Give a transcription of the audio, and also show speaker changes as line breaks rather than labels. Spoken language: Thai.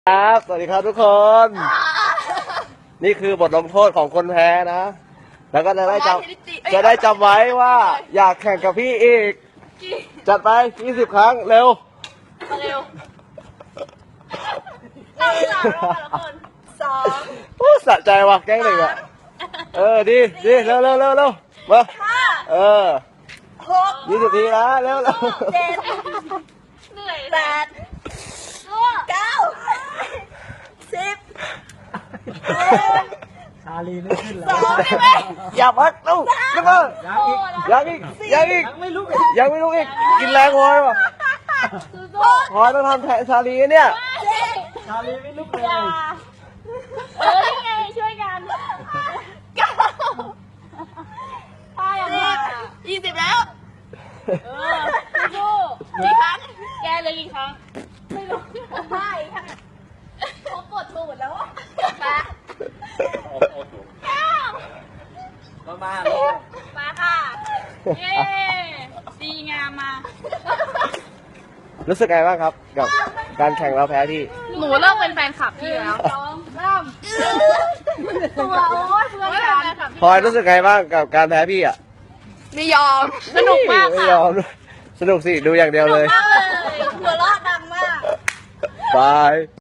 ครับสวัสดีครับทุกคน นี่คือบทลงโทษของคนแพ้นะ แล้วก็จะได้จำไว้ว่าอยากแข่งกับพี่อีก จัดไป20 ครั้งเร็วสะใจว่ะแกล้งหนึ่งอ่ะดีเร็วมา20 ทีนะเร็ว
เหนื่อย
8 9 10
ชาลีไม่ขึ้นแล้ว
อย่าพักตู้ขึ้นมายังอีกยังไม่ลุกอีกกินแรงพอไหมพอต้องทำแทนชาลีเนี่ย
ชาลีไม่ลุกเลย
นี่ไงช่วยกันป้ายังมา
20 แล้ว
สู้กี่ครั้งแกเลยกี่ครั้งไม่รู้ไม่ค่ะเขาปวดตูดแล้วอ่ะ
มา
ค่ะเย้ดีงามมา
รู้สึกไงบ้างครับกับการแข่งเราแพ้ที่
หนูเลิกเป็นแฟนคลับพี่แล้วตัวโอ้ยเพื่อนกัน
พลอยรู้สึกไงบ้างกับการแพ้พี่อ่ะ
ไม่ยอม
สนุกมาก
ไม่
ค่ะ
ยอมสนุกสิดูอย่างเดียวเลย
มากเลย
หัวเราะดังมาก
บาย